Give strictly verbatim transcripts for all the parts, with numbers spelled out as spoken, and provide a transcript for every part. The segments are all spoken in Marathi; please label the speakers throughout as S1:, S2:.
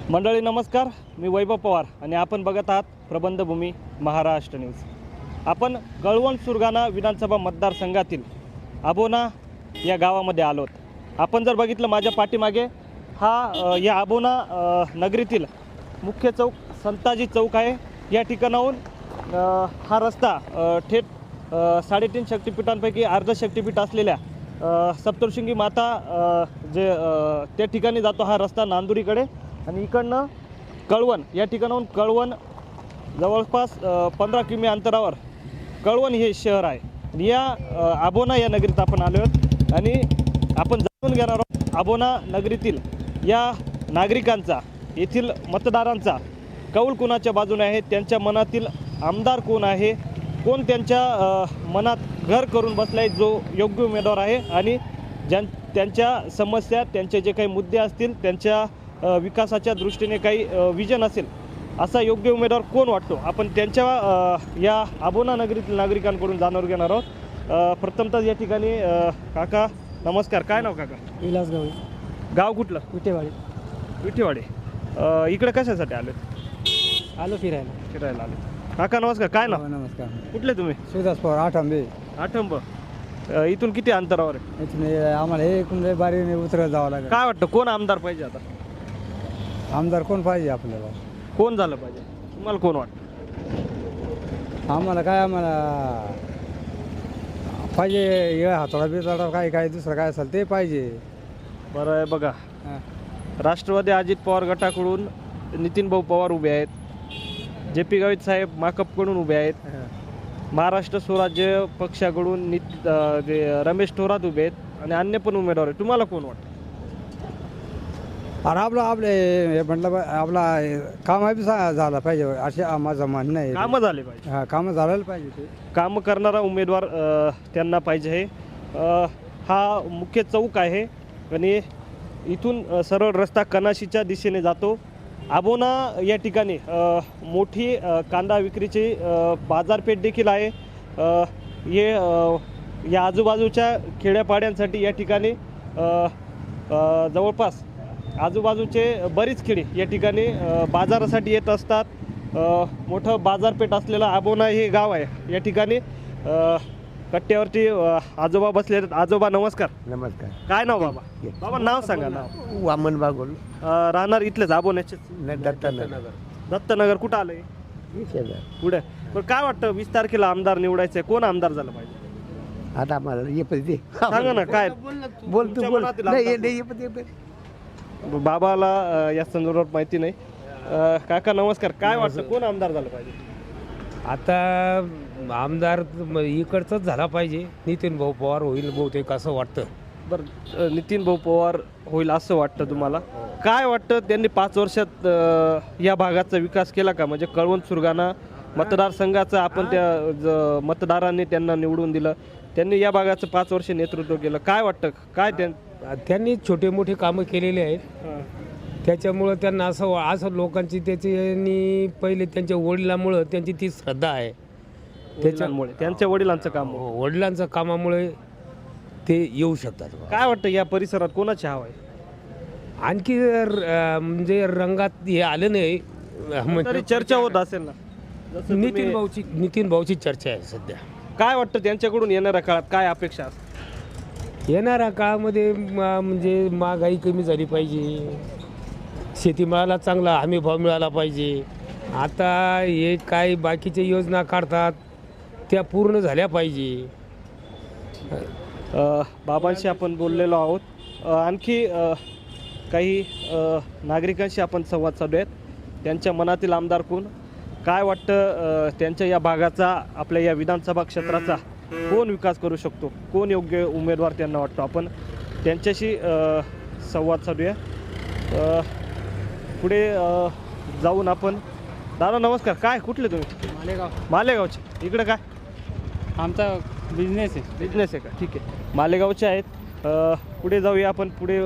S1: मंडळी नमस्कार, मी वैभव पवार आणि आपण बघत आहात प्रबंधभूमी महाराष्ट्र न्यूज। आपण कळवण सुरगाणा विधानसभा मतदारसंघातील आबोना या गावामध्ये आलोत। आपण जर बघितलं माझ्या पाठीमागे हा या आबोना नगरीतील मुख्य चौक संताजी चौक आहे। या ठिकाणाहून हा रस्ता थेट साडेतीन शक्तिपीठांपैकी अर्ध शक्तिपीठ असलेल्या सप्तशृंगी माता जे त्या ठिकाणी जातो हा रस्ता नांदुरीकडे आणि इकडनं कळवण या ठिकाणाहून कळवण जवळपास पंधरा किमी अंतरावर कळवण हे शहर आहे। या आबोना या नगरीत आपण आलो आहोत आणि आपण जाणून घेणार आहोत आबोना नगरीतील या नागरिकांचा, येथील मतदारांचा कौल कोणाच्या बाजूने आहे, त्यांच्या मनातील आमदार कोण आहे, कोण त्यांच्या मनात घर करून बसलाय, जो योग्य उमेदवार आहे आणि ज्यां त्यांच्या समस्या, त्यांचे जे काही मुद्दे असतील, त्यांच्या विकासाच्या दृष्टीने काही विजन असेल असा योग्य उमेदवार कोण वाटतो, आपण त्यांच्या या आबोना नगरीतील नागरिकांकडून जाणून घेणार आहोत। प्रथमतः या ठिकाणी काका नमस्कार, काय नाव काका?
S2: विलास गवळी।
S1: गाव कुठलं?
S2: विटेवाडी।
S1: विटेवाडी। इकडे कशासाठी आले?
S2: आलो फिरायला।
S1: फिरायला आले। काका नमस्कार, काय नाव?
S2: नमस्कार।
S1: कुठले तुम्ही?
S2: सुदास पवार, आठंबे।
S1: आठंब। इथून किती अंतरावर आहे?
S2: इथून आम्हाला हे कुंडे बारीने उतरत जावं लागेल।
S1: काय वाटतं कोण आमदार पाहिजे आता?
S2: आमदार कोण पाहिजे आपल्याला?
S1: कोण झालं पाहिजे तुम्हाला, कोण वाटतं?
S2: आम्हाला काय, आम्हाला पाहिजे हे हातोडा बितोडा काय काय दुसरं काय असेल ते पाहिजे।
S1: बरं आहे बघा, राष्ट्रवादी अजित पवार गटाकडून नितीन भाऊ पवार उभे आहेत, जे पी गावित साहेब माकपकडून उभे आहेत, महाराष्ट्र स्वराज्य पक्षाकडून नित जे रमेश थोरात उभे आहेत आणि अन्य पण उमेदवार आहेत। तुम्हाला कोण वाटतं?
S2: आणि आपलं आपले हे म्हटलं आपला काम बी झालं पाहिजे असे माझं म्हणणं आहे।
S1: कामं झाले पाहिजे।
S2: हां, कामं झालं पाहिजे। ते
S1: कामं करणारा उमेदवार त्यांना पाहिजे आहे। हा मुख्य चौक आहे आणि इथून सरळ रस्ता कनाशीच्या दिशेने जातो। आबोना या ठिकाणी मोठी कांदा विक्रीची बाजारपेठ देखील आहे। हे या आजूबाजूच्या खेड्यापाड्यांसाठी या ठिकाणी जवळपास आजूबाजूचे बरीच खेडे या ठिकाणी बाजारासाठी येत असतात। मोठं बाजारपेठ असलेलं आबोना हे गाव आहे। या ठिकाणी कट्ट्यावरती आजोबा बसले आहेत। आजोबा नमस्कार।
S3: नमस्कार।
S1: काय नाव बाबा? बाबा नाव सांगा। नाव?
S3: वामन बागोल।
S1: राहणार इथलेच आबोन्याचे?
S3: दत्तनगर।
S1: दत्तनगर कुठं आलंय? पुढे। पण काय वाटतं वीस तारखेला आमदार निवडायचंय, कोण आमदार झालं पाहिजे
S3: आता आम्हाला ये पण ते
S1: सांगा ना। काय
S3: बोल तू बोल। नाही नाही ये पण ते
S1: बाबाला या संदर्भात माहिती नाही। काका नमस्कार, काय वाटतं कोण आमदार झालं पाहिजे?
S4: आता आमदार इकडचंच झाला पाहिजे, नितीन भाऊ पवार होईल बहुतेक असं वाटतं।
S1: बरं, नितीन भाऊ पवार होईल असं वाटतं तुम्हाला? काय वाटतं त्यांनी पाच वर्षात या भागाचा विकास केला का? म्हणजे कळवण सुरगाणा मतदारसंघाचं आपण त्या मतदारांनी त्यांना निवडून दिलं, त्यांनी या भागाचं पाच वर्ष नेतृत्व केलं, काय वाटतं काय त्यां
S4: त्यांनी छोटे मोठे कामं केलेले आहेत, त्याच्यामुळं त्यांना असं असं लोकांची त्याची पहिले त्यांच्या वडिलांमुळं त्यांची ती श्रद्धा आहे,
S1: त्याच्यामुळे त्यांच्या वडिलांचं काम,
S4: वडिलांचं कामामुळे ते येऊ शकतात।
S1: काय वाटतं या परिसरात कोणाची हवा आहे?
S4: आणखी म्हणजे रंगात हे आलं नाही,
S1: तरी चर्चा होत असेल ना?
S4: नितीन भाऊची नितीन भाऊची चर्चा आहे सध्या।
S1: काय वाटतं त्यांच्याकडून येणाऱ्या काळात काय अपेक्षा असतात?
S4: येणाऱ्या काळामध्ये म्हणजे महागाई कमी झाली पाहिजे, शेतीमालाला चांगला हमी भाव मिळाला पाहिजे। आता हे काय बाकीच्या योजना काढतात त्या पूर्ण झाल्या पाहिजे।
S1: बाबांशी आपण बोललेलो आहोत। आणखी काही नागरिकांशी आपण संवाद साधूयात, त्यांच्या मनातील आमदार कोण, काय वाटतं त्यांच्या या भागाचा, आपल्या या विधानसभा क्षेत्राचा कोण विकास करू शकतो, कोण योग्य उमेदवार त्यांना वाटतो, आपण त्यांच्याशी संवाद साधूया। पुढे जाऊन आपण, दादा नमस्कार, काय कुठले तुम्ही?
S2: मालेगाव।
S1: मालेगावचे। इकडे काय
S2: आमचा बिझनेस आहे।
S1: बिझनेस आहे का? ठीक आहे, मालेगावचे आहेत। पुढे जाऊया आपण, पुढे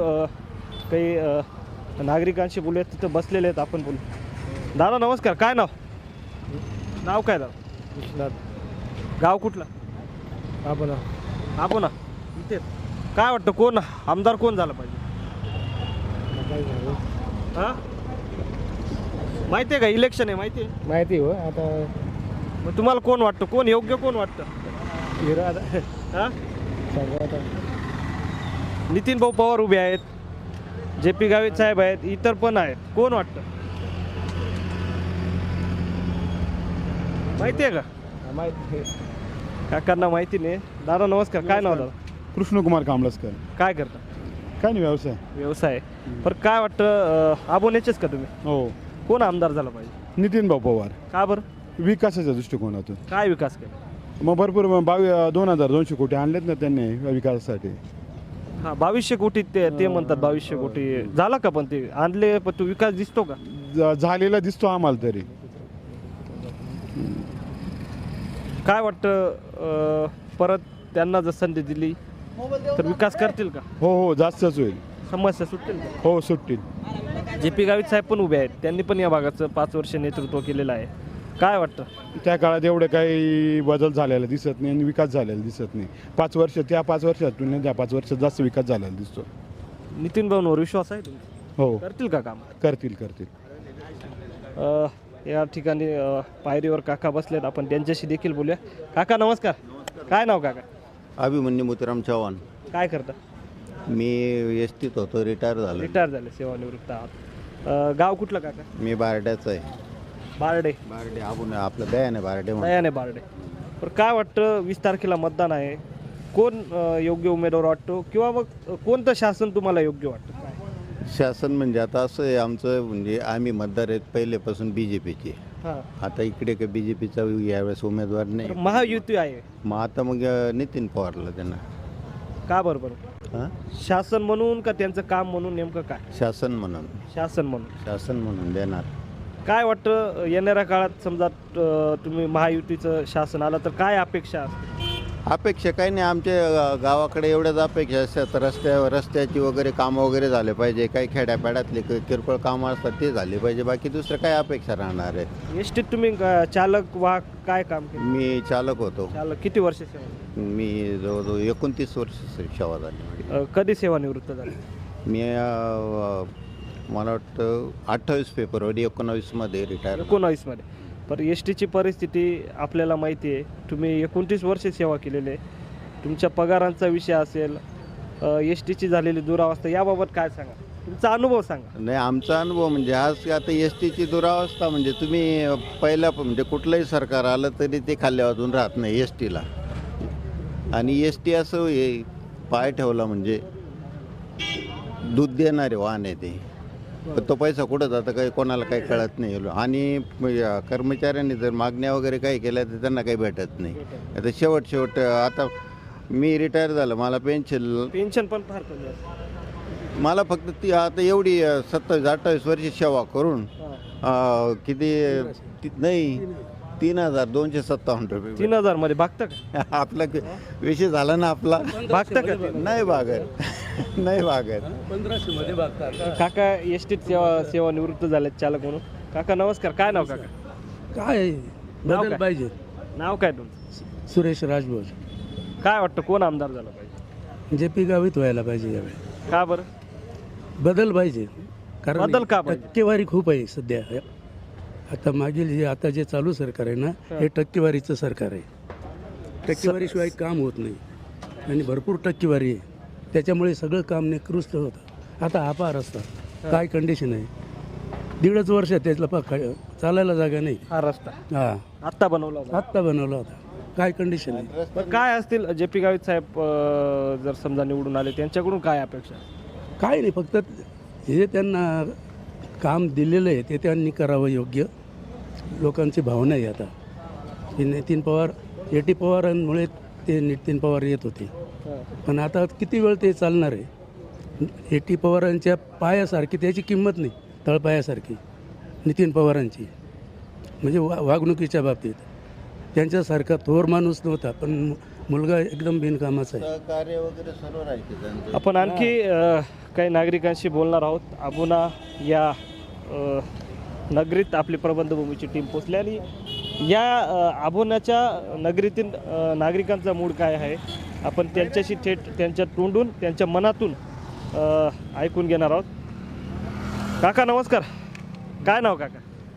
S1: काही नागरिकांशी बोलूया, तिथं बसलेले आहेत, आपण बोलू। दादा नमस्कार, काय नाव? नाव काय दादा? गाव कुठलं?
S2: आबोना।
S1: आबोना इथे। काय वाटतं कोण आमदार कोण झालं पाहिजे? हां माहिती आहे का इलेक्शन आहे माहिती आहे
S4: माहिती हो आता
S1: मग तुम्हाला कोण वाटतं कोण योग्य कोण वाटतं
S4: हिरो आता
S1: हा
S4: सगळं आता
S1: नितीन भाऊ पवार उभे आहेत जे पी गावित साहेब आहेत इतर पण आहेत कोण वाटतं माहिती आहे का
S4: माहिती
S1: काकांना माहिती नाही दादा नमस्कार काय नाव दादा
S5: कृष्णकुमार कांबळसकर.
S1: काय करता
S5: काय नाही व्यवसाय.
S1: व्यवसाय पण काय वाटतं आबोनेचेच का तुम्ही
S5: हो.
S1: कोण आमदार झाला पाहिजे
S5: नितीन भाऊ पवार.
S1: का बरं
S5: विकासाच्या दृष्टिकोनातून
S1: काय विकास केला
S5: मग भरपूर बावीस दोन हजार दोनशे कोटी आणलेत ना त्यांनी विकासासाठी.
S1: हा बावीसशे कोटी ते ते म्हणतात बावीसशे कोटी झाला का पण ते आणले पण तो विकास दिसतो का
S5: ज- झालेला दिसतो आम्हाला तरी.
S1: काय वाटतं अं, परत त्यांना जर संधी दिली तर विकास करतील का
S5: हो हो जास्तच होईल.
S1: समस्या सुटतील का
S5: हो सुटतील.
S1: जे पी गावित साहेब पण उभे आहेत त्यांनी पण या भागाचं पाच वर्ष नेतृत्व केलेलं आहे काय वाटतं
S5: त्या काळात एवढे काही बदल झालेला दिसत नाही आणि विकास झालेला दिसत नाही. पाच वर्ष त्या पाच वर्षात तुलनेत त्या पाच वर्षात जास्त विकास झालेला दिसतो.
S1: नितीन भाऊंवर विश्वास आहे तुमचा
S5: हो
S1: करतील का काम
S5: करतील करतील.
S1: अ, या ठिकाणी अ, पायरीवर काका बसलेत आपण त्यांच्याशी देखील बोलूया काका नमस्कार काय नाव काका
S6: अभिमन्यू मोतीराम चव्हाण.
S1: काय करता
S6: मी एस टीत होतो, रिटायर झालो.
S1: रिटायर झाले सेवानिवृत्त आहात अ, गाव कुठलं काका
S6: मी बारड्याचं आहे.
S1: बारडे
S6: बारडे आपण आपलं बयान आहे बारडे म्हणून.
S1: दयाने बारडे पण काय वाटतं वीस तारखेला मतदान आहे कोण अ, योग्य उमेदवार वाटतो किंवा मग कोणतं शासन तुम्हाला योग्य वाटतं काय
S6: शासन म्हणजे आता असं आहे आमचं म्हणजे आम्ही मतदार आहेत पहिलेपासून बी जे पीचे.
S1: हां
S6: आता इकडे काही बी जे पीचा यावेळेस उमेदवार
S1: तर
S6: नाही.
S1: महायुती आहे
S6: मग आता मग अं, नितीन पवारला त्यांना.
S1: का बरं बरं
S6: हां
S1: शासन म्हणून का त्यांचं काम म्हणून नेमकं काय
S6: शासन म्हणून
S1: शासन म्हणून
S6: शासन म्हणून देणार.
S1: काय वाटतं येणाऱ्या काळात समजा अ, तुम्ही महायुतीचं शासन आलं तर काय अपेक्षा असते
S6: अपेक्षा काही नाही आमच्या अं, गावाकडे एवढ्याच अपेक्षा असतात रस्त्या रस्त्याची वगैरे कामं वगैरे झाले पाहिजे. काही खेड्यापाड्यातले कि- किरकोळ कामं असतात ते झाले पाहिजे. बाकी दुसरं काय अपेक्षा राहणार आहेत.
S1: एस टीत तुम्ही अ, चालक वाहक काय काम केलं
S6: मी चालक होतो.
S1: चालक किती वर्ष सेवा
S6: मी जवळजवळ एकोणतीस वर्ष सेवा झाली माझी.
S1: अ, कधी सेवानिवृत्त झाले
S6: मी अं, मला वाटतं अठ्ठावीस फेब्रुवारी एकोणावीसमध्ये रिटायर.
S1: एकोणावीसमध्ये पण एस टीची परिस्थिती आपल्याला माहिती आहे तुम्ही एकोणतीस वर्ष सेवा केलेली आहे तुमच्या पगारांचा विषय असेल एस टीची झालेली दुरावस्था याबाबत काय सांगा तुमचा अनुभव सांगा
S6: नाही आमचा अनुभव म्हणजे आज आता एस टीची दुरावस्था म्हणजे तुम्ही पहिल्या म्हणजे कुठलंही सरकार आलं तरी ते खाली वाजून राहत नाही एस टीला. आणि एस टी असं हे पाय ठेवला म्हणजे दूध देणारे वाहन आहे ते. पण तो पैसा कुठं जातं काही कोणाला काही कळत नाही. आणि म- कर्मचाऱ्यांनी जर मागण्या वगैरे काही केल्या तर त्यांना काही भेटत नाही. आता शेवट शेवट आता मी रिटायर झालं मला पेन्शन
S1: पेन्शन पण फार कमी असते
S6: मला फक्त ती आता एवढी सत्तावीस अठ्ठावीस वर्ष सेवा करून अं, किती ती- नाही तीन हजार दोनशे सत्तावन्न रुपये.
S1: तीन हजार मध्ये भागतं का
S6: आपला विषय झाला ना आपला.
S1: भागतं का
S6: नाही भागत नाही भागत.
S1: काका एस टीत सेवा सेवानिवृत्त झालेत चालक म्हणून काका नमस्कार काय नाव काका
S7: काय
S1: नाव
S7: बदल
S1: काय?
S7: पाहिजे.
S1: नाव काय तुमचं
S7: सुरेश राजभोज
S1: काय वाटतं कोण आमदार झाला पाहिजे
S7: जे पी गावित व्हायला पाहिजे यावेळी.
S1: का बरं
S7: बदल पाहिजे कारण
S1: बदल का पाहिजे?
S7: टक्केवारी खूप आहे सध्या. आता मागील जे आता जे चालू सरकार आहे ना हे टक्केवारीचं सरकार आहे. टक्केवारीशिवाय काम होत नाही आणि भरपूर टक्केवारी आहे त्याच्यामुळे सगळं काम निकृष्ट होतं. आता हा पहा रस्ता काय कंडिशन आहे दीडच वर्ष त्यातला पा चालायला जागा नाही.
S1: हा रस्ता
S7: हा
S1: आत्ता बनवला होता
S7: आत्ता बनवला होता काय कंडिशन आहे.
S1: पण काय असतील जे पी गावित साहेब अ, जर समजा निवडून आले त्यांच्याकडून काय अपेक्षा
S7: काय नाही फक्त हे त्यांना काम दिलेलं आहे ते त्यांनी करावं योग्य. लोकांची भावना आहे आता की नितीन पवार ए टी पवारांमुळे ते नितीन पवार येत होते पण आता किती वेळ ते चालणार आहे. ए टी पवारांच्या पायासारखी त्याची किंमत नाही तळपायासारखी नितीन पवारांची म्हणजे वा वागणुकीच्या बाबतीत त्यांच्यासारखा थोर माणूस नव्हता पण मुलगा एकदम बिनकामाचा आहे.
S6: सहकार्य वगैरे सर्व राहायचे त्यांचं.
S1: आपण आणखी अ, काही नागरिकांशी बोलणार आहोत अबोना या अ, नगरीत आपली प्रबंधभूमीची टीम पोचली आणि या अ, अबोनाच्या नगरीतील अ, नागरिकांचा मूड काय आहे आपण त्यांच्याशी थेट त्यांच्या तोंडून त्यांच्या मनातून अ, ऐकून घेणार आहोत. काका नमस्कार काय नाव काका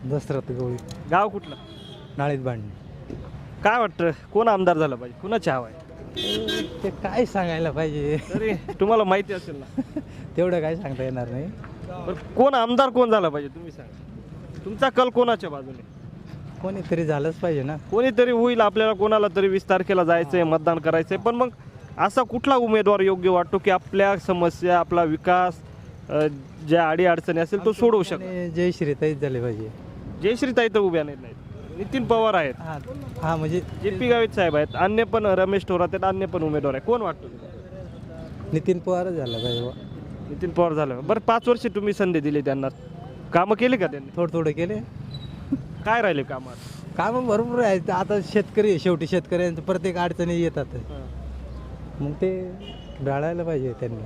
S2: दसरथ गवळी
S1: गाव कुठलं?
S2: नाळीत भांडणे.
S1: काय वाटतं कोण आमदार झालं पाहिजे, कुणाची हवा आहे?
S2: ते काय सांगायला पाहिजे
S1: तरी तुम्हाला माहिती असेल ना.
S2: तेवढं काय सांगता येणार नाही.
S1: बरं कोण आमदार कोण झाला पाहिजे तुम्ही सांगा. तुमचा कल कोणाच्या बाजूने?
S2: कोणीतरी झालंच पाहिजे ना.
S1: कोणीतरी होईल, आपल्याला कोणाला तरी वीस तारखेला जायचंय, मतदान करायचंय. पण मग असा कुठला उमेदवार योग्य वाटतो की आपल्या समस्या, आपला विकास, अ, ज्या अडी अडचणी असेल तो सोडवू शकतो?
S2: आणि जय श्रीताईच झाले पाहिजे.
S1: जयश्रीताई तर उभ्या नाहीत, नाहीत. नितीन पवार आहेत,
S2: हा हा म्हणजे
S1: जे पी गावित साहेब आहेत, अन्य पण रमेश थोरात आहेत, अन्य पण उमेदवार आहे. कोण वाटतो तुम्हाला?
S2: नितीन पवारच झाला पाहिजे बुवा.
S1: नितीन पवार झालं. बरं पाच वर्ष तुम्ही संधी दिली त्यांना, कामं केली का त्यांनी?
S2: थोडं थोडं केले.
S1: काय राहिले कामात?
S2: कामं भरपूर आहेत. आता शेतकरी आहे, शेवटी शेतकऱ्यांचं प्रत्येक अडचणी येतात. मग ते ढाळायला पाहिजे त्यांनी.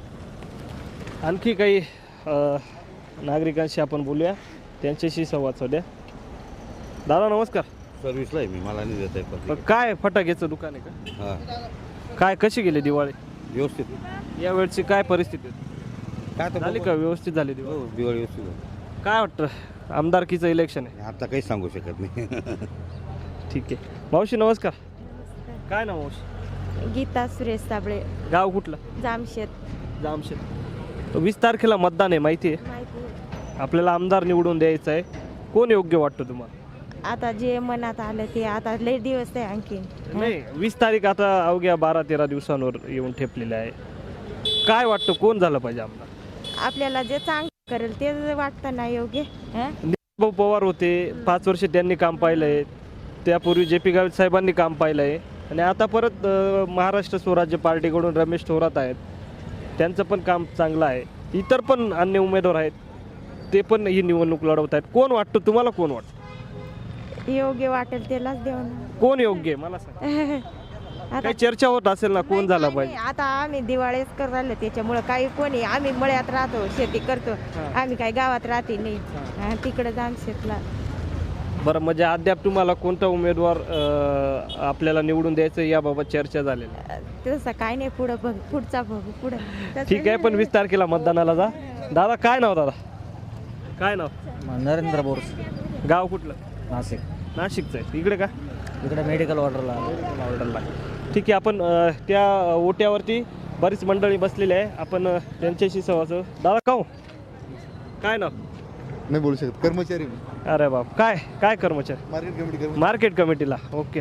S1: आणखी काही अ, नागरिकांशी आपण बोलूया, त्यांच्याशी संवाद साधूया. दादा नमस्कार.
S8: सर्व्हिसला आहे मी, मला नाही देत आहे
S1: पण काय फटाक्याचं दुकान आहे का?
S8: हां
S1: काय कशी गेली दिवाळी?
S8: व्यवस्थित
S1: या वेळची काय परिस्थिती आहे?
S8: काय तर
S1: झाली का व्यवस्थित झाली दिवाळी?
S8: हो, दिवाळी व्यवस्थित आहे.
S1: काय वाटतं आमदारकीचं इलेक्शन आहे,
S8: आता काही सांगू शकत नाही.
S1: ठीक आहे. मावशी नमस्कार. काय नाव मावशी?
S9: गीता सुरेश साबळे,
S1: गाव कुठलं?
S9: जामशेत.
S1: जामशेद. वीस तारखेला मतदान आहे माहिती आहे.
S9: माहिती आहे.
S1: आपल्याला आमदार निवडून द्यायचं आहे. कोण योग्य वाटतं तुम्हाला?
S9: आता जे मनात आलं ते, आता लय दिवस आहे आणखीन.
S1: नाही, वीस तारीख आता अवघ्या बारा तेरा दिवसांवर येऊन ठेपलेले आहे. काय वाटतं कोण झालं पाहिजे आमदार?
S9: आपल्याला जे चांगलं करेल ते वाटतं ना योग्य. हं?
S1: भाऊ पवार होते, पाच वर्ष त्यांनी काम पाहिलंय. त्यापूर्वी जे पी गावित साहेबांनी काम पाहिलंय आणि आता परत अ, महाराष्ट्र स्वराज्य पार्टीकडून रमेश थोरात आहेत, त्यांचं पण काम चांगलं आहे. इतर पण अन्य उमेदवार आहेत, ते पण ही निवडणूक लढवत आहेत. कोण वाटतं तुम्हाला, कोण वाटतं?
S9: योग्य वाटेल त्यालाच देऊ ना.
S1: कोण योग्य आहे मला सांग.
S9: आता
S1: काही चर्चा होत असेल ना कोण झाला
S9: नाही,
S1: पाहिजे?
S9: आता आम्ही दिवाळीच कर राहिलो, त्याच्यामुळं काही कोणी, आम्ही मळ्यात राहतो, शेती करतो. आम्ही काही गावात राहते नाही. हं, तिकडे जामशेतला.
S1: बरं, म्हणजे अद्याप तुम्हाला कोणता उमेदवार अ, आपल्याला निवडून द्यायचं याबाबत चर्चा झालेली आहे?
S9: तसं काय नाही, पुढं बघ, पुढचा बघू पुढं. तसं
S1: ठीक आहे. पण वीस तारखेला मतदानाला जा. दादा काय नाव? दादा काय नाव?
S2: नरेंद्र बोरस,
S1: गाव कुठलं?
S2: नाशिक.
S1: नाशिकचं आहे. इकडे का?
S2: इकडे मेडिकल ऑर्डरला.
S1: ऑर्डरला. ठीक आहे. आपण अ, त्या ओट्यावरती बरीच मंडळी बसलेली आहे, आपण अ, त्यांच्याशी संवाद साधू. दादा काऊ काय नाव?
S3: नाही बोलू शकत. कर्मचारी
S1: अरे बाप, काय काय कर्मचारी?
S3: Market committee.
S1: मार्केट कमिटीला. ओके.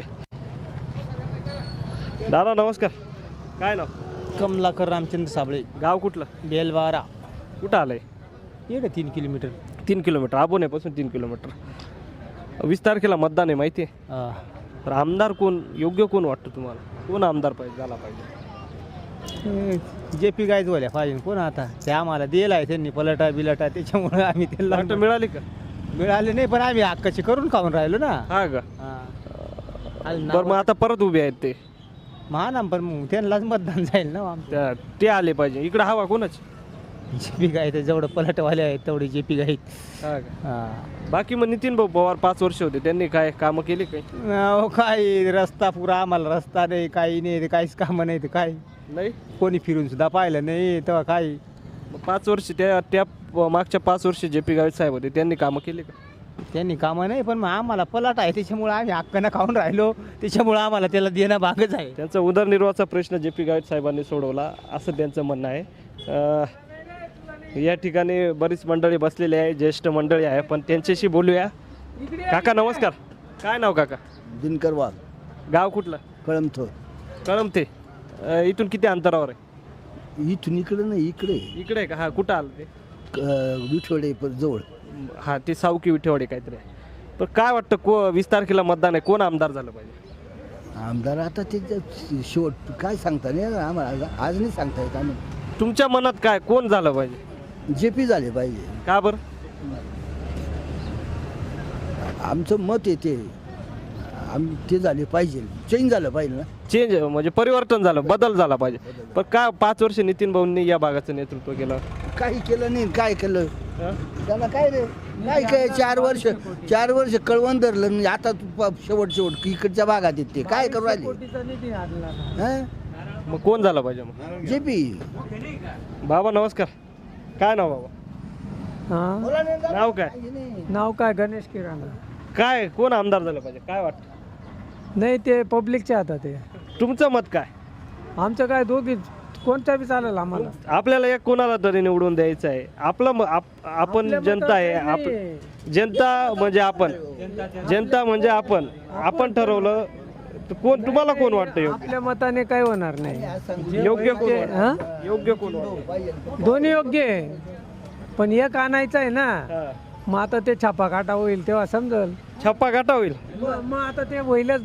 S1: दादा नमस्कार. काय नाव?
S2: कमलाकर रामचंद्र साबळे,
S1: गाव कुठलं?
S2: बेलवारा.
S1: कुठं आलंय?
S2: इकडे तीन किलोमीटर.
S1: तीन किलोमीटर आबोनेपासून तीन किलोमीटर. वीस तारखेला मतदान आहे माहिती आहे. तर आमदार कोण योग्य, कोण वाटतं तुम्हाला? कोण आमदार पाहिजे झाला पाहिजे?
S2: जे पी गायच बोल्या पाहिजे. कोण आता ते आम्हाला दिला आहे त्यांनी पलटा बिलटा, त्याच्यामुळे आम्ही
S1: वाटतं
S2: त्यांना
S1: मिळाली का?
S2: मिळाले नाही, पण आम्ही हक्काची करून खाऊन राहिलो ना.
S1: हा का?
S2: हा.
S1: बरं, मग आता परत उभे आहेत ते.
S2: महानाम, पण मग त्यांनाच मतदान जाईल ना आमचं.
S1: त्या ते आले पाहिजे. इकडे हवा कोणाची?
S2: जे पी गाय जेवढं पलटवाले आहेत तेवढे जे पी गाय.
S1: हा का?
S2: हा.
S1: बाकी मग नितीन भाऊ पवार पाच वर्ष होते, त्यांनी काय कामं केली काही?
S2: अहो, काय रस्ता पुरा, आम्हाला रस्ता नाही, काही नाही, ते काहीच कामं नाही, ते काय
S1: नाही.
S2: कोणी फिरून सुद्धा पाहिलं नाही तेव्हा. काही
S1: मग पाच वर्ष त्या त्या मागच्या पाच वर्ष जे पी गावित साहेब होते, त्यांनी कामं केली का?
S2: त्यांनी कामं नाही, पण मग आम्हाला पलाट आहे त्याच्यामुळे आम्ही हक्कानं खाऊन राहिलो, त्याच्यामुळे आम्हाला त्याला देणं भागच आहे.
S1: त्यांचा उदरनिर्वाहाचा प्रश्न जे पी गावित साहेबांनी सोडवला असं त्यांचं म्हणणं आहे. अ, या ठिकाणी बरीच मंडळी बसलेली आहे, ज्येष्ठ मंडळी आहे, पण त्यांच्याशी बोलूया. काका नमस्कार. काय नाव काका?
S3: दिनकर वाघ,
S1: गाव कुठलं?
S3: कळमथोर.
S1: कळमते. अ, इथून किती अंतरावर आहे?
S3: इथून इकडे नाही, इकडे
S1: इकडे आहे का? हा, कुठं आलं ते?
S3: विठवडे जवळ.
S1: हा, ते सावकी विठेवाडी काहीतरी आहे. पण काय वाटतं को वीस तारखेला मतदान आहे, कोण आमदार झालं पाहिजे?
S3: आमदार आता ते शेवट काय सांगता नाही आम्हाला, आज नाही सांगता येत. आम्ही
S1: तुमच्या मनात काय कोण झालं पाहिजे?
S3: जे पी झाले पाहिजे.
S1: का बरं?
S3: आमचं मत येते, आम्ही ते झाले पाहिजे, चेंज झालं पाहिजे ना.
S1: चेंज म्हणजे परिवर्तन झालं, बदल झाला पाहिजे. पण काय पाच वर्ष नितीन भाऊंनी या भागाचं नेतृत्व केलं?
S3: काही केलं नाही, काय केलं त्याला? काय रे, काय काय चार वर्ष चार वर्ष कळवण धरलं नाही. आता तू प- शेवट शेवट इकडच्या भागात येते, काय करू राहिले?
S1: मग कोण झालं पाहिजे? मग
S3: जे पी.
S1: बाबा नमस्कार. काय नाव बाबा?
S2: हां
S1: नाव काय
S2: नाव काय गणेश किराणा
S1: काय कोण आमदार झालं पाहिजे काय वाटतं
S2: नाही ते पब्लिकच्या हातात आहे
S1: तुमचं मत काय
S2: आमचं काय दोघी कोणत्या बी चालेल आम्हाला
S1: आपल्याला एक कोणाला तरी निवडून द्यायचं आहे आपलं म- आप- आपण जनता आहे आप जनता म्हणजे आपण जनता म्हणजे आपण आपण ठरवलं तर कोण तुम्हाला कोण वाटतं योग्य
S2: आपल्या मताने काय होणार नाही
S1: योग्य कोण
S2: ते-
S1: वाटतं?
S2: हां?
S1: योग्य कोण वाटतं?
S2: दोन्ही योग्य आहे पण एक आणायचं आहे ना
S1: हा.
S2: मग आता ते छापा काटा होईल तेव्हा समजल
S1: छप्पा गाठा होईल
S2: मग आता ते होईलच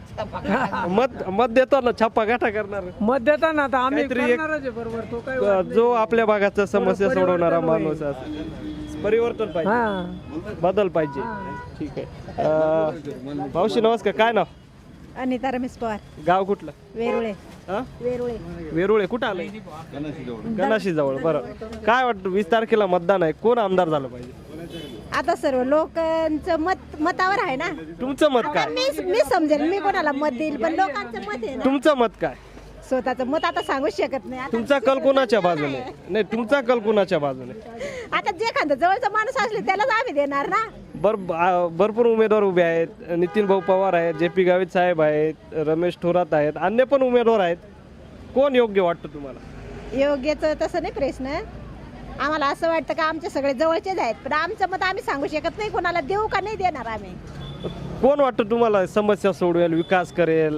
S2: ना
S1: मत मत देताना छप्पा गाठा करणार
S2: मत देताना आता आम्ही
S1: काहीतरी एक-
S2: करणारच आहे बरोबर तो काय
S1: जो आपल्या भागाचा समस्या
S2: परिवर्तन
S1: सोडवणारा
S2: होईल.
S1: माणूस असेल परिवर्तन पाहिजे
S2: हा
S1: बदल पाहिजे ठीक आहे अं, मावशी नमस्कार काय नाव
S9: अनिता रमेश पवार
S1: गाव कुठलं
S9: वेरुळे
S1: हा?
S9: वेरुळे
S1: वेरुळे कुठं आलंय गणाशी जवळ बरं काय वाटतं वीस तारखेला मतदान आहे कोण आमदार झालं पाहिजे
S9: आता सर्व लोकांचं मत मतावर आहे ना
S1: तुमचं मत काय
S9: मी मी समजेल मी कोणाला मत देईल पण लोकांचं मत आहे ना
S1: तुमचं मत काय
S9: स्वतःचं मत आता सांगू शकत नाही आता
S1: तुमचा कल कोणाच्या बाजूने नाही तुमचा कल कोणाच्या बाजूने
S9: आता जे खांदा जवळचा माणूस असले त्यालाच आम्ही देणार ना
S1: बर आ- भरपूर उमेदवार उभे आहेत नितीन भाऊ पवार आहेत जे पी गावित साहेब आहेत रमेश थोरात आहेत अन्य पण उमेदवार आहेत कोण योग्य वाटतं तुम्हाला
S9: योग्यच तसं नाही प्रश्न आम्हाला असं वाटतं का आमचे सगळे जवळचेच आहेत पण आमचं मत आम्ही सांगू शकत नाही कोणाला देऊ का नाही देणार आम्ही
S1: कोण वाटतं तुम्हाला समस्या सोडवेल विकास करेल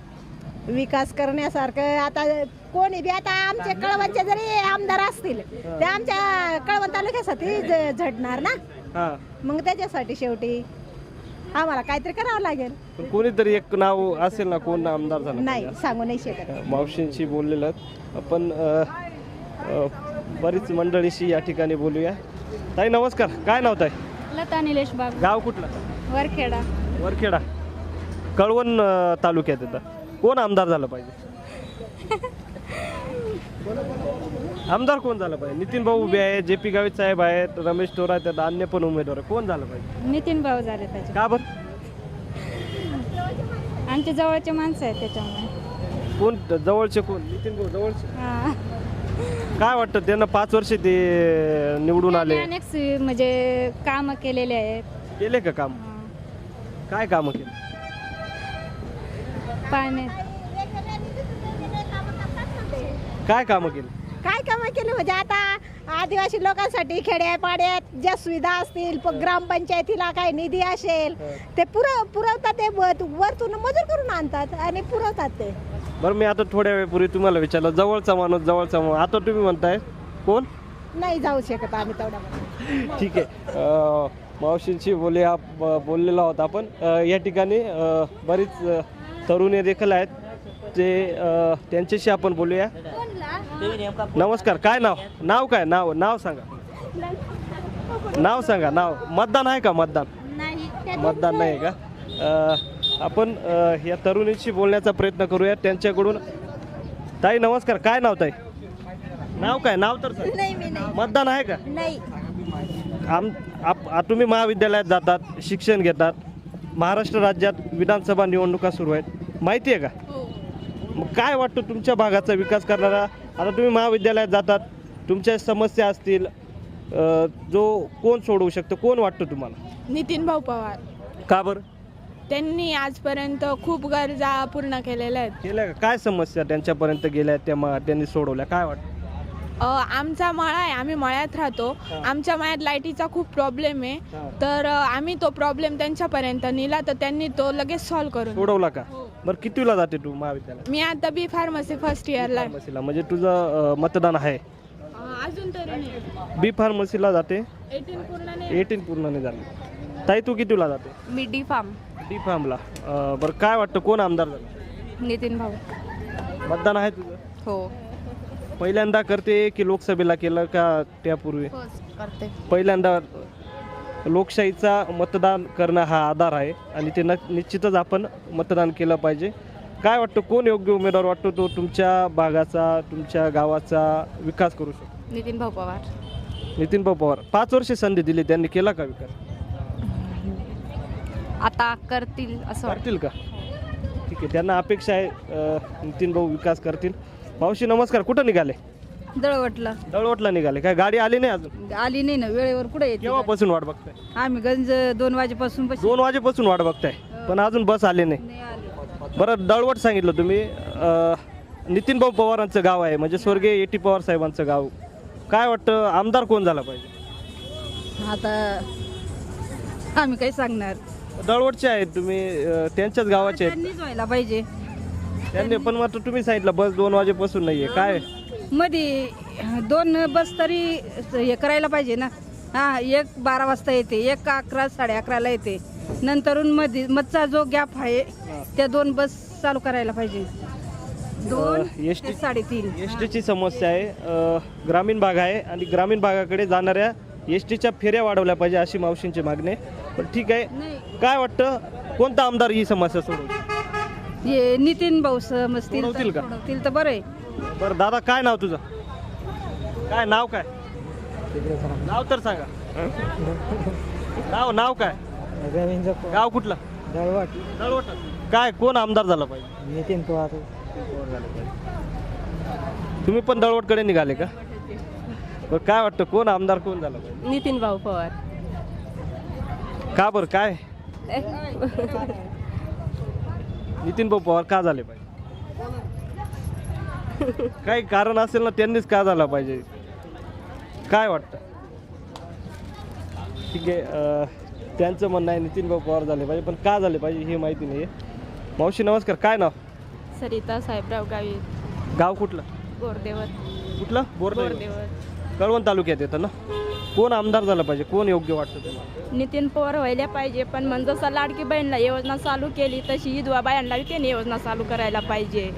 S9: विकास करण्यासारखं आता कोणी बी आता आमचे कळवणचे जरी आमदार असतील ते आमच्या कळवण तालुक्यासाठी ज- झटणार ना
S1: हा
S9: मग त्याच्यासाठी शेवटी आम्हाला काहीतरी करावं लागेल
S1: पण कोणीतरी एक नाव असेल ना कोण आमदार झालं
S9: नाही सांगू नाही शकत
S1: पाहिजे. मावशींशी बोललेलं आपण अ, अ, बरीच मंडळीशी या ठिकाणी बोलूया ताई नमस्कार काय नाव ताई
S10: लता निलेश बाग
S1: गाव कुठलं
S10: वरखेडा
S1: वरखेडा कळवण अ, तालुक्यात येतं कोण आमदार झालं पाहिजे आमदार कोण झालं पाहिजे नितीन भाऊ उभे आहेत जे पी गावित साहेब आहेत रमेश थोरात आहेत अन्य पण उमेदवार आहेत. कोण झालं पाहिजे
S10: नितीन भाऊ झाले त्याचे
S1: का बरं
S10: आमच्या जवळचे माणसं आहेत त्याच्यामुळे
S1: कोण जवळचे कोण नितीन भाऊ जवळचे
S10: हा.
S1: काय वाटतं त्यांना पाच वर्ष ते निवडून आले
S10: त्यांनी अनेक सु- म्हणजे कामं केलेले आहेत
S1: केले का काम
S10: हा.
S1: काय कामं केले
S10: पाणी
S1: काय कामं केली
S9: काय कामं केली म्हणजे आता आदिवासी लोकांसाठी खेड्या पाड्यात ज्या सुविधा असतील प- ग्रामपंचायतीला काय निधी असेल ते पुरव पुरवतात ते वर- वरतून मजूर करून आणतात आणि पुरवतात ते
S1: बरं मी आता थोड्या वेळपूर्वी तुम्हाला विचारलं जवळचा माणूस जवळचा माणूस आता तुम्ही म्हणताय कोण
S9: नाही जाऊ शकत आम्ही तेवढ्या
S1: ठीक आहे अं, मावशींशी बोलूया ब- बोललेलो आहोत आपण अं, या ठिकाणी अं, बरीच अं, तरुणी देखील आहेत ते अं, त्यांच्याशी आपण बोलूया नमस्कार काय नाव नाव काय नाव नाव सांगा नाव सांगा नाव मतदान आहे का मतदान मतदान नाही आहे का अं, आपण अं, या तरुणीशी बोलण्याचा प्रयत्न करूया त्यांच्याकडून ताई नमस्कार काय नाव ताई नाव काय नाव तर सांगा.
S9: नाही मी नाही
S1: मतदान आहे का
S9: नाही
S1: आम आप आ- तुम्ही महाविद्यालयात जातात शिक्षण घेतात महाराष्ट्र राज्यात विधानसभा निवडणुका सुरू आहेत माहिती आहे का मग काय वाटतं तुमच्या भागाचा विकास करणारा आता तुम्ही महाविद्यालयात जातात तुमच्या समस्या असतील अ, जो कोण सोडवू शकतो कोण वाटतं तुम्हाला
S11: नितीन भाऊ पवार
S1: का बरं
S11: त्यांनी आजपर्यंत खूप गरजा पूर्ण केलेल्या आहेत
S1: केल्या का काय समस्या त्यांच्यापर्यंत गेल्या त्या मा- त्यांनी सोडवल्या काय वाटतं
S11: अ, आमचा मळा आहे आम्ही मळ्यात राहतो आमच्या मळ्यात लाईटीचा खूप प्रॉब्लेम आहे
S1: हा.
S11: तर अ, आम्ही तो प्रॉब्लेम त्यांच्यापर्यंत नेला तर त्यांनी तो लगेच सॉल्व्ह करून
S1: सोडवला का बरं कितीला जाते तू महाविद्यालयात
S11: मी आता बी फार्मसी फर्स्ट इयरला आहे.
S1: फार्मसीला म्हणजे तुझं अ, मतदान आहे
S11: अ, अजून तरी नाही
S1: बी फार्मसीला जाते
S11: एटीन पूर्ण नाही
S1: एटीन पूर्ण नाही झाली ताई तू कितीला जाते
S11: मी डी फार्म
S1: डी फार्मला अं, बरं काय वाटतं कोण आमदार झालं
S11: नितीन भाऊ
S1: मतदान आहे तुझं
S11: हो
S1: पहिल्यांदा करते की लोकसभेला केलं का त्यापूर्वी
S11: करते
S1: पहिल्यांदा लोकशाहीचा मतदान करणं हा आधार आहे आणि ते न निश्चितच आपण मतदान केलं पाहिजे काय वाटतं कोण योग्य उमेदवार वाटतो तो तुमच्या भागाचा तुमच्या गावाचा विकास करू शकतो
S11: नितीन भाऊ पवार
S1: नितीन भाऊ पवार पाच वर्षे संधी दिली त्यांनी केला का विकास
S11: आता करतील असं
S1: करतील का ठीक आहे त्यांना अपेक्षा आहे अं, नितीन भाऊ विकास करतील मावशी नमस्कार कुठं निघाले
S12: दळवटला
S1: दळवटला निघाले, काय गाडी आली नाही अजून?
S12: आली नाही ना वेळेवर कुठे येते
S1: केव्हापासून वाट बघताय?
S12: आम्ही गंज दोन वाजेपासून बस
S1: दोन वाजेपासून वाट बघताय, पण अजून बस आली नाही.
S12: नाही आली.
S1: बरं, दळवट सांगितलं तुम्ही. अं, नितीन भाऊ पवारांचं गाव आहे, म्हणजे स्वर्गीय ए टी पवार साहेबांचं गाव. काय वाटतं आमदार कोण झाला पाहिजे?
S12: आता आम्ही काही सांगणार.
S1: दळवटचे आहेत तुम्ही, अं, त्यांच्याच गावाचे आहेत
S12: त्यांनीच व्हायला पाहिजे.
S1: त्यांनी, पण मात्र तुम्ही सांगितलं बस दोन वाजेपासून नाहीये. काय
S12: मध्ये दोन बस तरी हे करायला पाहिजे ना. हा, एक बारा वाजता येते, एक अकरा साडे अकराला येते. नंतरून मध्ये मधचा जो गॅप आहे त्या दोन बस चालू करायला पाहिजे. दोन
S1: एस टी
S12: ते साडेतीन.
S1: एस टीची समस्या आहे. अ, ग्रामीण भाग आहे आणि ग्रामीण भागाकडे जाणाऱ्या एस टीच्या फेऱ्या वाढवल्या पाहिजे अशी मावशींची मागणी आहे. पण ठीक आहे,
S12: नाही,
S1: काय वाटतं कोणता आमदार ही समस्या सोडवतील?
S12: हे नितीन भाऊ समजतील तर
S1: सोडवतील का?
S12: सोडवतील तर बरं आहे.
S1: बरं दादा, काय नाव तुझं? काय नाव काय? नाव तर सांगा. नाव नाव काय? गाव कुठलं?
S2: दळवट
S1: दळवट. काय कोण आमदार झाला पाहिजे?
S2: नितीन पवार.
S1: तुम्ही पण दळवटकडे निघाले का? बरं, काय वाटतं कोण आमदार कोण झाला पाहिजे?
S11: नितीन भाऊ पवार.
S1: का बरं, काय नितीन भाऊ पवार का झाले पाहिजे? काही कारण असेल ना, त्यांनीच का झाला पाहिजे? काय वाटतं? ठीक आहे, अं, त्यांचं म्हणणं आहे नितीन भाऊ पवार झाले पाहिजे, पण का झाले पाहिजे हे माहिती नाही आहे. मावशी नमस्कार, काय नाव?
S11: सरिता साहेबराव गावी,
S1: गाव कुठलं?
S11: गोरदेवर.
S1: कुठलं? बोरदेव. कळवण तालुक्यात येतं ना. कोण आमदार झाला पाहिजे, कोण योग्य वाटतं तुम्हाला?
S11: नितीन पवार व्हायला पाहिजे, पण मग जसं लाडकी बहीणला योजना चालू केली तशी विधवा बायांना त्यांनी योजना चालू करायला पाहिजे.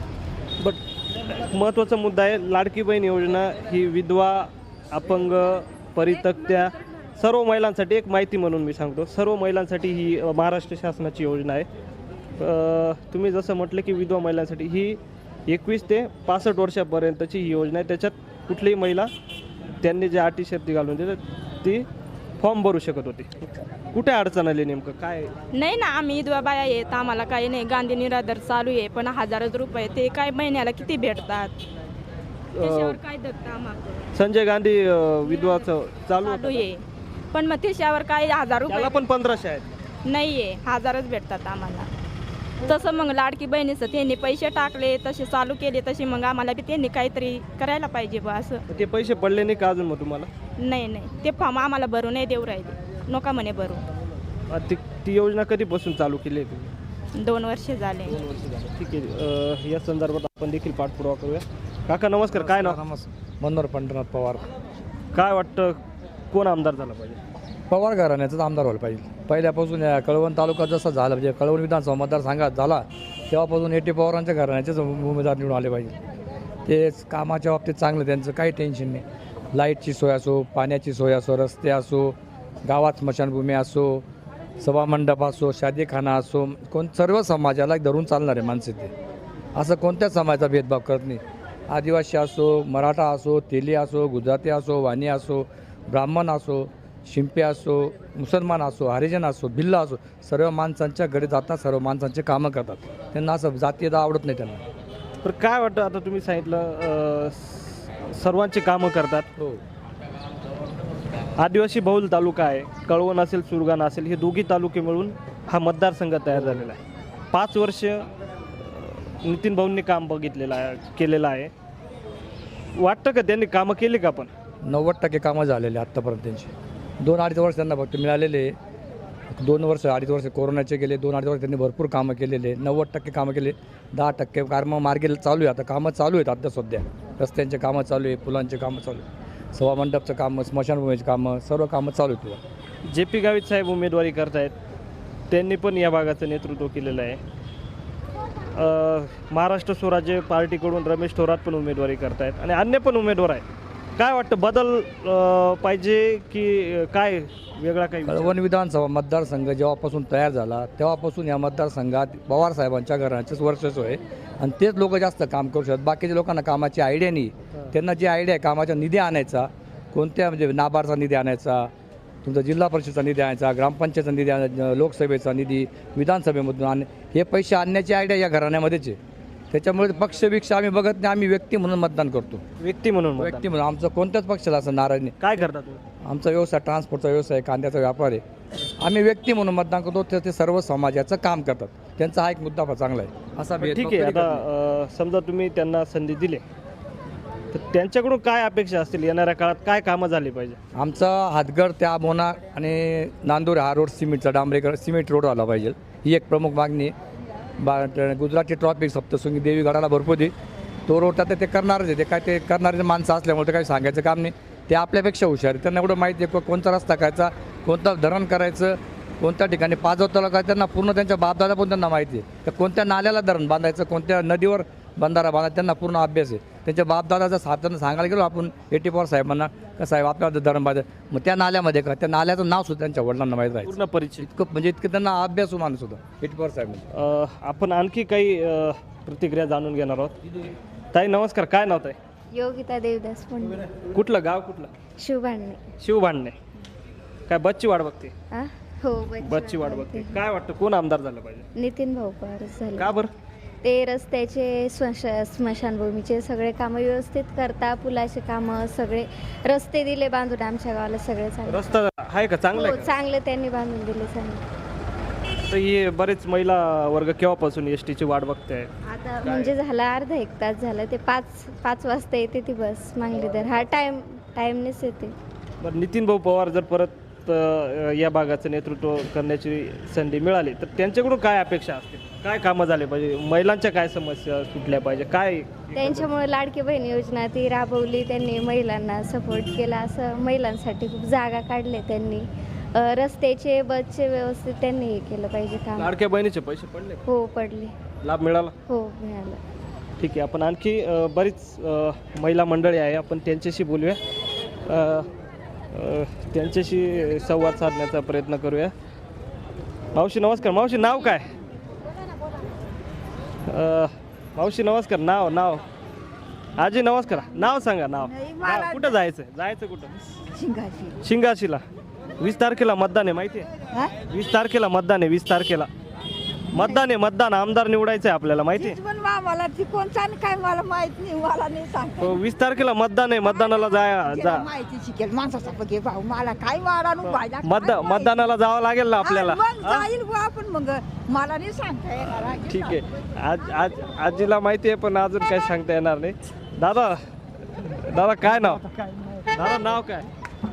S1: बट महत्त्वाचा मुद्दा आहे, लाडकी बहीण योजना ही विधवा, अपंग, परित्यक्त्या सर्व महिलांसाठी, एक माहिती म्हणून मी सांगतो, सर्व महिलांसाठी ही अ, महाराष्ट्र शासनाची योजना आहे. अ, तुम्ही जसं म्हटलं की विधवा महिलांसाठी ही एकवीस ते पासष्ट वर्षापर्यंतची ही योजना आहे. त्याच्यात कुठलीही महिला त्यांनी जे अटी शर्ती घालून देतात ती फॉर्म भरू शकत होती. कुठे अडचण आली नेमकं, काय?
S11: नाही ना, आम्ही विधवा बाया येत, आम्हाला काही नाही. गांधी निराधार चालू आहे, पण हजारच रुपये ते काय महिन्याला किती भेटतात? त्याच्यावर काय दत्ता आम्हाला
S1: संजय गांधी अ, विधवाचं चालू
S11: चालू आहे, पण मग त्याच्यावर काय हजार रुपये
S1: त्याला पण पंधराशे आहेत.
S11: नाहीये, हजारच भेटतात आम्हाला. तसं मग लाडकी बहिणीचं त्यांनी पैसे टाकले, तसे चालू केले, तसे मग आम्हाला बी त्यांनी काहीतरी करायला पाहिजे बा असं.
S1: ते पैसे पडले नाही का अजून मग तुम्हाला?
S11: नाही नाही, ते फॉर्म आम्हाला भरू नाही देऊ राहिले, नका म्हणे भरू.
S1: अ, ती ती योजना कधीपासून चालू केली आहे तुम्ही?
S11: दोन वर्ष झाले.
S1: ठीक आहे, अ, या संदर्भात आपण देखील पाठपुरावा करूया. काका नमस्कार, काय नाव?
S2: मनोहर पंढरनाथ पवार.
S1: काय वाटतं कोण आमदार झाला पाहिजे?
S2: पवार घराण्याचाच आमदार व्हायला पाहिजे. पहिल्यापासून या कळवण तालुका जसा झाला, म्हणजे कळवण विधानसभा मतदारसंघात झाला तेव्हापासून एटी पवारांच्या घराण्याचेच उमेदवार निवडून आले पाहिजे. तेच कामाच्या बाबतीत चांगलं, त्यांचं काही टेन्शन नाही. लाईटची सोय असो, पाण्याची सोय असो, रस्ते असो, गावात स्मशानभूमी असो, सभामंडप असो, शादीखाना असो, कोण सर्व समाजाला धरून चालणारे माणसं ते. असं कोणत्याच समाजाचा भेदभाव करत नाही. आदिवासी असो, मराठा असो, तेली असो, गुजराती असो, वाणी असो, ब्राह्मण असो, शिंपे असो, मुसलमान असो, हरिजन असो, भिल्ल असो, सर्व माणसांच्या घरी जातात, सर्व माणसांचे कामं करतात. त्यांना असं जातीयता आवडत नाही त्यांना.
S1: तर काय वाटतं, आता तुम्ही सांगितलं अ, स- सर्वांची कामं करतात.
S2: हो.
S1: आदिवासी बहुल तालुका आहे, कळवण असेल, सुरगाणा असेल, हे दोघी तालुके मिळून हा मतदारसंघ तयार झालेला आहे. पाच वर्ष अ, नितीन भाऊंनी काम बघितलेलं आहे, केलेलं आहे. वाटतं का त्यांनी कामं केली का? पण
S2: नव्वद टक्के कामं झालेले आत्तापर्यंत त्यांची. दोन अडीच वर्ष त्यांना फक्त मिळालेले. दोन वर्ष अडीच वर्ष कोरोनाचे गेले, दोन अडीच वर्ष त्यांनी भरपूर कामं केलेले. नव्वद टक्के कामं केले, दहा टक्के कामं मार्गे चालू आहे. आता कामं चालू आहेत आता सध्या. रस्त्यांचे कामं चालू आहे, पुलांचे कामं चालू आहे, सभामंडपचं कामं, स्मशानभूमीची कामं, सर्व कामं चालू आहेत.
S1: जे पी गावित साहेब उमेदवारी करतायत, त्यांनी पण या भागाचं नेतृत्व केलेलं आहे. अ, महाराष्ट्र स्वराज्य पार्टीकडून रमेश थोरात पण उमेदवारी करतायत आणि अन्य पण उमेदवार आहेत. काय वाटतं, बदल अ, पाहिजे की काय वेगळा काही विचार?
S2: कळवण विधानसभा मतदारसंघ जेव्हापासून तयार झाला तेव्हापासून या मतदारसंघात पवार साहेबांच्या घराचेच वर्चस्व आहे आणि तेच लोक जास्त काम करू शकतात. बाकीच्या लोकांना कामाची आयडिया नाही. त्यांना जी आयडिया आहे कामाचा निधी आणायचा, कोणत्या म्हणजे नाबार्डचा निधी आणायचा, तुमचा जिल्हा परिषदचा निधी आणायचा, ग्रामपंचायतचा निधी आणायचा, लोकसभेचा निधी, विधानसभेमधून आण हे पैसे आणण्याची आयडिया या घराण्यामध्येच आहे. त्याच्यामुळे पक्षपेक्षा आम्ही बघत नाही, आम्ही व्यक्ती म्हणून मतदान करतो.
S1: व्यक्ती म्हणून मतदान.
S2: व्यक्ती म्हणून आमचं कोणत्याच पक्षाला असं नाराज नाही.
S1: काय करता तुम्ही?
S2: आमचा व्यवसाय ट्रान्सपोर्टचा व्यवसाय आहे, कांद्याचा व्यापार आहे. आम्ही व्यक्ती म्हणून मतदान करतो, तर ते सर्व समाजाचं काम करतात. त्यांचा हा एक मुद्दा फार चांगला आहे. असा
S1: ठीक आहे.
S2: भेदभाव कधी
S1: आता
S2: करत नाही.
S1: अ, समजा तुम्ही त्यांना संधी दिली तर त्यांच्याकडून काय अपेक्षा असतील, येणाऱ्या काळात काय कामं झाली पाहिजे?
S2: आमचा हातगड त्या मोना आणि नांदूर हा रोड सिमेंटचा डांबरेकर सिमेंट रोड आला पाहिजे, ही एक प्रमुख मागणी आहे. बा गुजरातची ट्रॉफिक सप्तशृंगी देवी गडाला भरपूर दे, तो रोड तर ते करणारच आहे. ते काय ते करणारे माणसं असल्यामुळे ते काही सांगायचं काम नाही. ते आपल्यापेक्षा हुशार आहे, त्यांना एवढं माहिती आहे कोणता रस्ता करायचा, कोणता धरण करायचं, कोणत्या ठिकाणी पाजवताला काय त्यांना पूर्ण त्यांच्या बापदादा पण त्यांना माहिती आहे. तर कोणत्या नाल्याला धरण बांधायचं, कोणत्या नदीवर बंधारा बांधायचा त्यांना पूर्ण अभ्यास आहे. त्यांच्या बापदादाचा साधारण सांगायला गेलो आपण एटी पवार साहेबांना का साहेब आपल्याला धरण बांधायचं, मग त्या नाल्यामध्ये का त्या नाल्याचं नाव सुद्धा त्यांच्या वडिलांना माहीत राहायचं.
S1: पूर्ण परिचित.
S2: इतकं म्हणजे इतकं त्यांना अभ्यासू माणूस होता एटी पवार साहेब.
S1: अ, आपण आणखी काही अ, प्रतिक्रिया जाणून घेणार आहोत. ताई नमस्कार, काय नाव ताई?
S10: योगिता देवदास पुंडे.
S1: कुठलं गाव कुठलं?
S10: शिवभांडणे.
S1: शिवभांडणे. काय बच्ची वाट बघते?
S10: आ? हो
S1: बच्ची वाट बघते. काय वाटतं कोण आमदार झालं पाहिजे?
S10: नितीन भाऊ पवार झाले.
S1: का बरं?
S10: ते रस्त्याचे स्मश स्मशानभूमीचे सगळे कामं व्यवस्थित करता, पुलाचे कामं सगळे, रस्ते दिले बांधून आमच्या गावाला सगळे चांगले.
S1: रस्ता आहे का चांगला
S10: हो
S1: आहे का?
S10: चांगले त्यांनी बांधून दिले चांगले.
S1: तर हे बरेच महिला वर्ग केव्हापासून एस टीची वाट बघते?
S10: आता म्हणजे झाला अर्धा एक तास झाला, ते पाच पाच वाजता येते ती बस मांगलीधर. हा टाइम टाइमनेच येते.
S1: बरं, नितीन भाऊ पवार जर परत अ, या भागाचं नेतृत्व करण्याची संधी मिळाली तर त्यांच्याकडून काय अपेक्षा असतील, काय कामं झाले पाहिजे, महिलांच्या काय समस्या सुटल्या पाहिजे, काय?
S10: त्यांच्यामुळे लाडकी बहीण योजना ती राबवली त्यांनी, महिलांना सपोर्ट केला, असं महिलांसाठी खूप जागा काढले त्यांनी. अ, रस्त्याचे बसचे व्यवस्थित त्यांनी हे केलं पाहिजे काम.
S1: लाडक्या बहिणीचे पैसे पडले?
S10: हो पडले.
S1: लाभ मिळाला?
S10: हो मिळालं.
S1: ठीक आहे. आपण आणखी अ, बरीच अ, महिला मंडळी आहे, आपण त्यांच्याशी बोलूया, अ, अ, त्यांच्याशी संवाद साधण्याचा प्रयत्न करूया. मावशी नमस्कार. मावशी नाव काय? अ, मावशी नमस्कार. नाव नाव आजी नमस्कार. नाव सांगा. नाव नाव. कुठं जायचं? जायचं कुठं?
S12: शिंगाची.
S1: शिंगाशीला. वीस तारखेला मतदान आहे, माहिती आहे? वीस तारखेला मतदान आहे. वीस तारखेला मतदान आहे. मतदान आमदार निवडायचं आहे आपल्याला, माहिती आहे?
S12: मला ती कोणता काय मला माहित नाही, मला नाही सांगता.
S1: हो, वीस तारखेला मतदान आहे. मतदानाला जा जा
S12: माहिती शिकेल माणसाचा पगे भाऊ, मला काय वाढा पाहिजे.
S1: मतदान मतदानाला जावं लागेल ना आपल्याला.
S12: जाईल बुवा आपण, मग मला नाही सांगता येणार.
S1: ठीक आहे. आज आज आजीला माहिती आहे पण अजून काही सांगता येणार नाही. दादा दादा काय नाव? दादा नाव काय?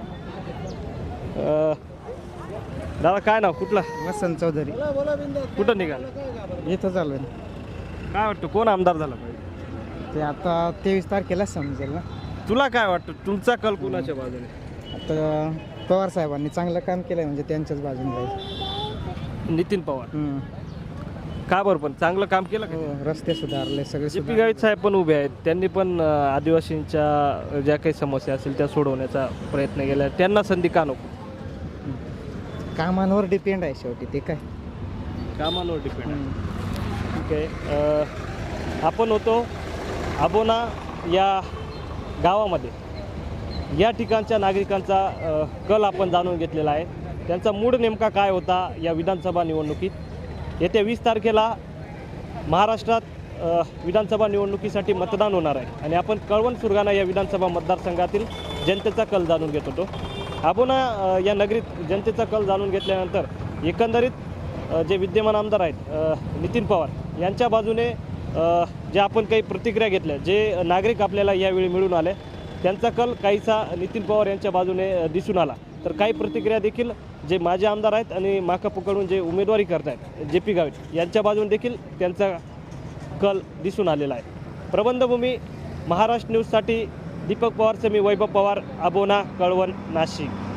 S1: अ, दादा काय नाव? कुठला?
S3: वसंत चौधरी.
S1: कुठं निघाल?
S3: इथं चालू
S1: काय वाटतं कोण आमदार झाला पाहिजे?
S3: ते आता तेवीस तारखेला समजेल ना.
S1: तुला काय वाटतं, तुमचा कल कुणाच्या बाजूने?
S3: आता पवार साहेबांनी चांगलं काम केलंय म्हणजे त्यांच्याच बाजूने राहील.
S1: नितीन पवार. का बरं? पण चांगलं काम केलं का?
S3: रस्ते सुधारले सगळे.
S1: जे पी गावित साहेब पण उभे आहेत, त्यांनी पण अ, आदिवासींच्या ज्या काही समस्या असतील त्या सोडवण्याचा प्रयत्न केला. त्यांना संधी का नको?
S3: कामांवर डिपेंड आहे शेवटी ते काय.
S1: कामांवर डिपेंड आहे. ठीक आहे. अ, आपण होतो आबोना या गावामध्ये. या ठिकाणच्या नागरिकांचा अ, कल आपण जाणून घेतलेला आहे. त्यांचा मूड नेमका काय होता या विधानसभा निवडणुकीत. येत्या वीस तारखेला महाराष्ट्रात अ, विधानसभा निवडणुकीसाठी मतदान होणार आहे आणि आपण कळवण सुरगाणा या विधानसभा मतदारसंघातील जनतेचा कल जाणून घेत होतो. आबोना अ, या नगरीत जनतेचा कल जाणून घेतल्यानंतर एकंदरीत अ, जे विद्यमान आमदार आहेत अ, नितीन पवार यांच्या बाजूने अ, जे आपण काही प्रतिक्रिया घेतल्या, जे नागरिक आपल्याला यावेळी मिळून आले, त्यांचा कल काहीसा नितीन पवार यांच्या बाजूने अ, दिसून आला. तर काही प्रतिक्रिया देखील जे माजी आमदार आहेत आणि माकापकडून जे उमेदवारी करत आहेत जे पी गावित यांच्या बाजूने देखील त्यांचा कल दिसून आलेला आहे. प्रबंधभूमी महाराष्ट्र न्यूजसाठी दीपक पवारचं मी वैभव पवार, आबोना, कळवण, नाशिक.